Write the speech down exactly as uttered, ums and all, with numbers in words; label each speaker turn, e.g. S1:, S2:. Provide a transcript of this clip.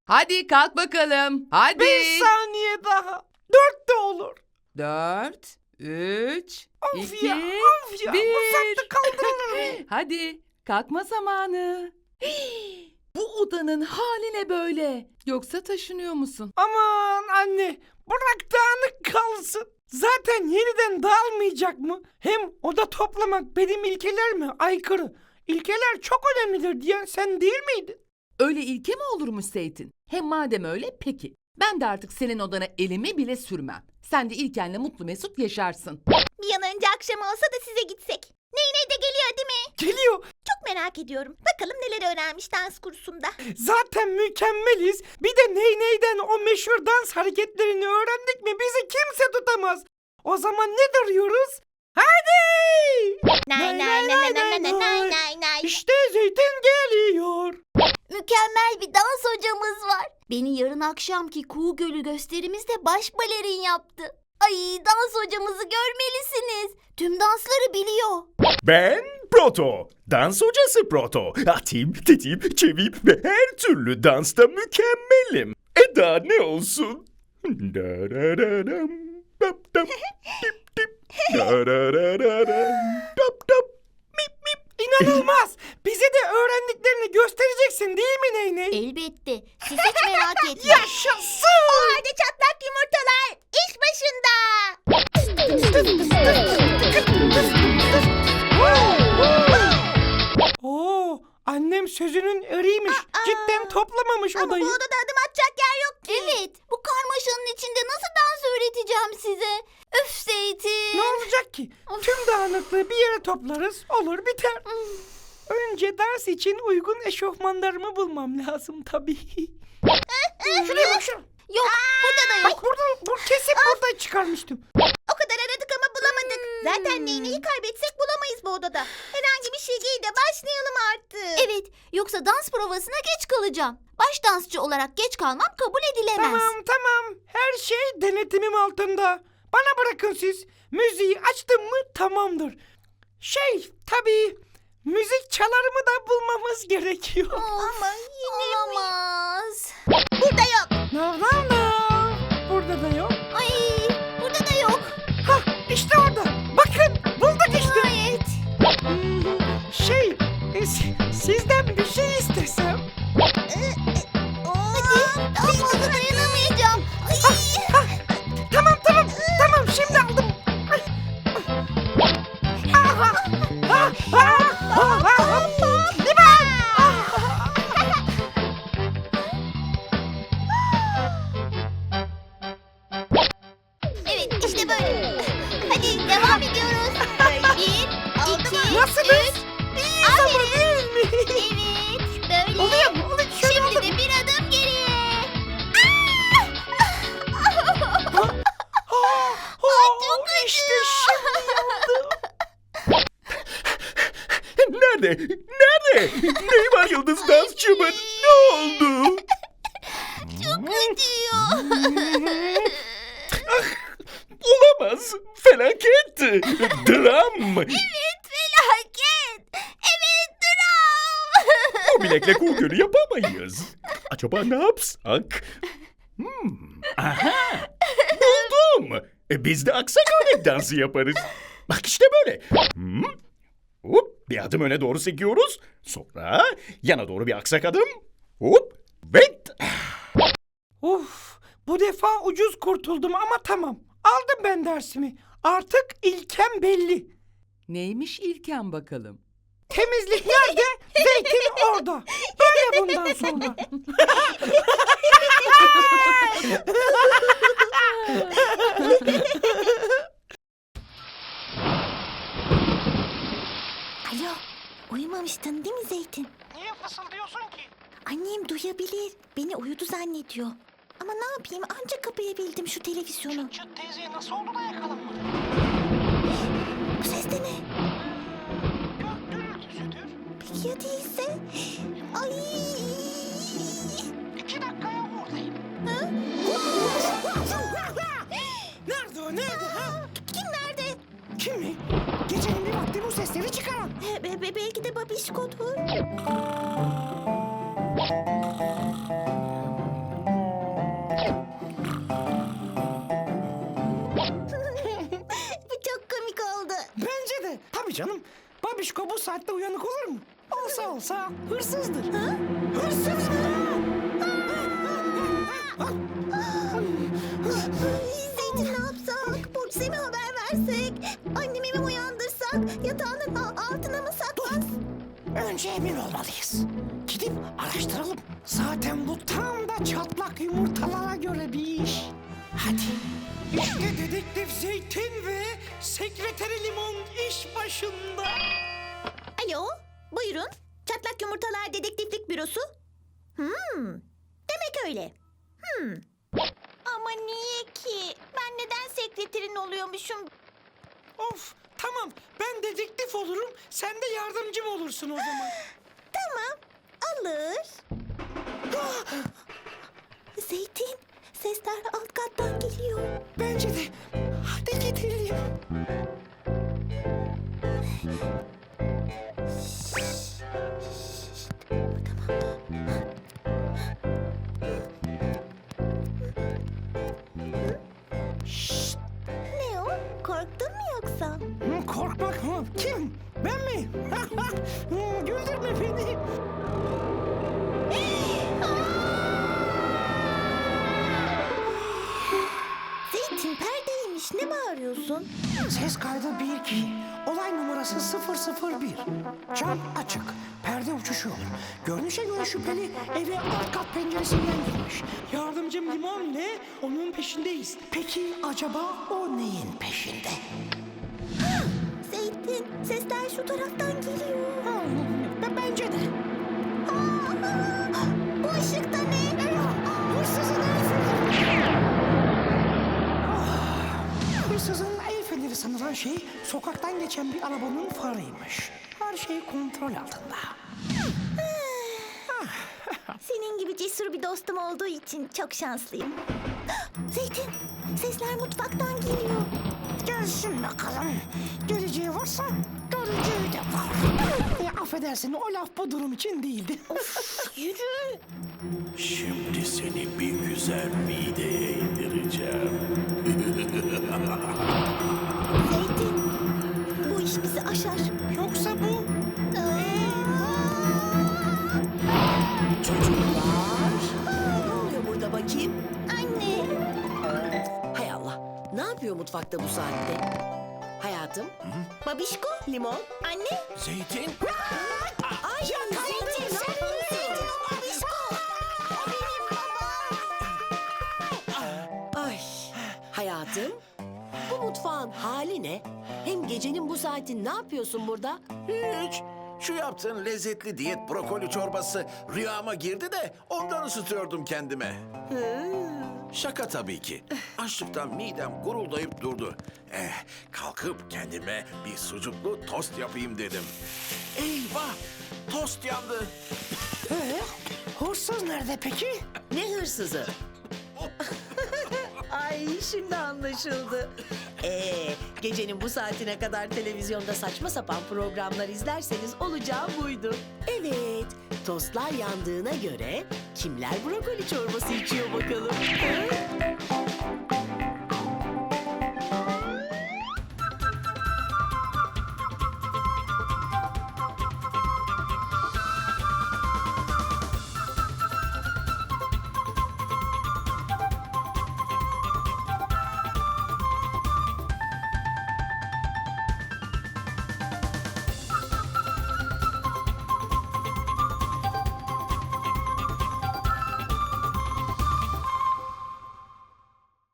S1: Hadi kalk bakalım. Hadi.
S2: Bir saniye daha. Dört de olur.
S1: Dört, üç,
S2: Of
S1: iki,
S2: ya, of ya.
S1: bir.
S2: Bu saatte kaldırılır mı?
S1: Hadi kalkma zamanı. Bu odanın hali ne böyle? Yoksa taşınıyor musun?
S2: Aman anne, bırak dağınık kalsın. Zaten yeniden dağılmayacak mı? Hem oda toplamak benim ilkelerime aykırı. İlkeler çok önemlidir diyen sen değil miydin?
S1: Öyle ilke mi olurmuş Zeytin? Hem madem öyle peki. Ben de artık senin odana elimi bile sürmem. Sen de İlken'le mutlu mesut yaşarsın.
S3: Bir an önce akşam olsa da size gitsek. Ney ney de geliyor değil mi?
S2: Geliyor.
S3: Çok merak ediyorum. Bakalım neler öğrenmiş dans kursunda.
S2: Zaten mükemmeliz. Bir de ney neyden o meşhur dans hareketlerini öğrendik mi bizi kimse tutamaz. O zaman ne duruyoruz? Hadi!
S3: Nay nay nay nay nay nay nay nay nay.
S2: İşte Zeytin geliyor.
S3: Mükemmel bir dans hocamız var. Beni yarın akşamki Kuğu Gölü gösterimizde baş balerin yaptı. Ay, dans hocamızı görmelisiniz. Tüm dansları biliyor.
S4: Ben Proto, dans hocası Proto. Atim, tetim, çevim ve her türlü dansta mükemmelim. E daha ne olsun? Darararam, dap dap, dip dip, darararam, dap dap, mip mip.
S2: İnanılmaz. Bize de öğrendiklerini göstereceksin değil mi Ney Ney?
S3: Elbette. Siz hiç merak etmeyin.
S2: Yaşasın.
S3: O halde çatlak yumurtalar iş başında.
S2: Oo, annem sözünün eriymiş. Cidden toplamamış
S3: Ama
S2: odayı.
S3: bu odada adım atacak yer yok ki. Evet. Bu karmaşanın içinde nasıl dans öğreteceğim size? Öf Zeytin.
S2: Ne olacak ki? Tüm dağınıklığı bir yere toplarız, olur biter. Önce ders için uygun eşofmanlarımı bulmam lazım tabii. Şuraya bak şuraya.
S3: Yok, burada da yok.
S2: Bak buradan, bu kesin buradan çıkarmıştım.
S3: O kadar aradık ama bulamadık. Zaten neyneyi kaybetsek bulamayız bu odada. Herhangi bir şey giy de başlayalım artık. Evet, yoksa dans provasına geç kalacağım. Baş dansçı olarak geç kalmam kabul edilemez.
S2: Tamam tamam, her şey denetimim altında. Bana bırakın siz. Müziği açtım mı tamamdır. Şey tabii, müzik çalarımı da bulmamız gerekiyor.
S3: Ama yine olamaz. Burada yok.
S2: No no no. Burada da yok.
S3: Ay, burada da yok.
S2: Hah, işte orada. Bakın bulduk işte.
S3: Nihayet.
S2: Hmm, Şey, e, si- sizden bir şey istesem.
S3: Hadi, daha fazla dayanamayacağım. Ay.
S2: Tamam tamam tamam şimdi aldım. Ay, ay. Aha, ha, ha, ha, ha. Liman!
S3: Evet, işte böyle. Hadi devam ediyoruz. Bir, iki,
S2: Nasılız?
S3: üç.
S2: İyiyiz ama değil mi?
S3: Evet, böyle.
S2: Oluyor mu? Oluyor. Şöyle
S3: Şimdi
S2: oldu
S3: de
S2: mu?
S3: bir adım geriye.
S2: Ha,
S3: çok
S2: ha, İşte şimdi oldu.
S4: Nerede? Nerede? Neyi var yıldız dansçımın? Ne oldu?
S3: Çok acıyor.
S4: Olamaz. Felaket. Dram.
S3: Evet, felaket. Evet, dram.
S4: Bu bilekle kuğu gölü yapamayız. Acaba ne yapsak? Hmm. Aha. Buldum. E, biz de aksak örnek dansı yaparız. Bak işte böyle. Hmm. Hop, bir adım öne doğru sekiyoruz. Sonra yana doğru bir aksak adım. Hop. Ve
S2: Uf, bu defa ucuz kurtuldum ama tamam. Aldım ben dersimi. Artık ilkem belli.
S1: Neymiş İlken bakalım?
S2: Temizlik nerede? Zeytin orada. Böyle bundan sonra.
S3: Alo, uyumamıştın değil mi Zeytin?
S2: Niye fısıldıyorsun ki?
S3: Annem duyabilir. Beni uyudu zannediyor. Ama ne yapayım, ancak kapayabildim şu televizyonu.
S2: Çıt teyzeye nasıl oldu da yakalanmadı?
S3: Bu ses de ne?
S2: Gök gürültüsüdür.
S3: Peki ya değilse? Ay!
S2: İki dakikaya buradayım.
S3: Ha?
S2: Nerede o nerede ha?
S3: Kim nerede?
S2: Kim mi? Gecenin bir vakti bu sesleri çıkaran.
S3: Be- be- belki de babişkodur.
S2: Tabii canım. Babişko bu saatte uyanık olur mu? Olsa olsa hırsızdır. Ha? Hırsız mı?
S3: Zeytin ne yapsak? Polise mi haber versek? Annemi mi uyandırsak? Yatağının a- altına mı saklas?
S2: Önce emin olmalıyız. Gidip araştıralım. Zaten bu tam da çatlak yumurtalara göre bir iş. Hadi. İşte dedektif Zeytin ve sekreteri Limon iş başında.
S3: Alo, buyurun. Çatlak Yumurtalar Dedektiflik Bürosu. Hmm, demek öyle. Hmm. Ama niye ki? Ben neden sekreterin oluyormuşum?
S2: Of, tamam. Ben dedektif olurum. Sen de yardımcım olursun o zaman.
S3: Tamam, alır. Zeytin, sesler alt kattan geliyor.
S2: Bence de. Hadi gidelim.
S3: Ne o? Korktun mu yoksa?
S2: Hı, korkmak mı? Kim? Ben mi? Hı, güldürme beni.
S3: Zeytin perdeymiş. Ne bağırıyorsun?
S2: Ses kaydı bir iki. Olay numarası sıfır sıfır bir. Cam açık. Perde uçuşuyor. Görünüşe göre şüpheli eve alt kat penceresinden girmiş. Yardımcım Limon ne? Onun peşindeyiz. Peki acaba o neyin peşinde?
S3: Zeytin, sesler şu taraftan geliyor.
S2: Ha, b- bence de.
S3: Aa, bu ışıkta ne?
S2: Hırsızın el feneri. Ah, Hırsızın el feneri sanılan şey sokaktan geçen bir arabanın farıymış. Her şey kontrol altında.
S3: Senin gibi cesur bir dostum olduğu için çok şanslıyım. Zeytin, sesler mutfaktan geliyor.
S2: Gelsin bakalım. Geleceği varsa göreceği de var. E, affedersin o laf bu durum için değildi.
S3: Yürü.
S4: Şimdi seni bir güzel mideye indireceğim.
S3: Zeytin, bu iş bizi aşar.
S2: Yoksa bu...
S5: Çocuklar, ne oluyor burada bakayım?
S3: Anne,
S5: Hay Allah, ne yapıyor mutfakta bu saatte? Hayatım,
S3: babişko,
S5: limon.
S3: anne.
S4: Zeytin.
S5: Ay, Zeytin, ne yapıyorsun? Ay, hayatım, bu mutfağın hali ne? Hem gecenin bu saati ne yapıyorsun burada?
S6: Hiç. Şu yaptığın lezzetli diyet brokoli çorbası rüyama girdi de ondan ısıtıyordum kendime. Şaka tabii ki. Açlıktan midem guruldayıp durdu. Eh, kalkıp kendime bir sucuklu tost yapayım dedim. Eyvah! Tost yandı.
S2: Ee, hırsız nerede peki?
S5: Ne hırsızı? Ay, şimdi anlaşıldı. Ee, gecenin bu saatine kadar televizyonda saçma sapan programlar izlerseniz olacağı buydu. Evet, tostlar yandığına göre kimler brokoli çorbası içiyor bakalım? Ha?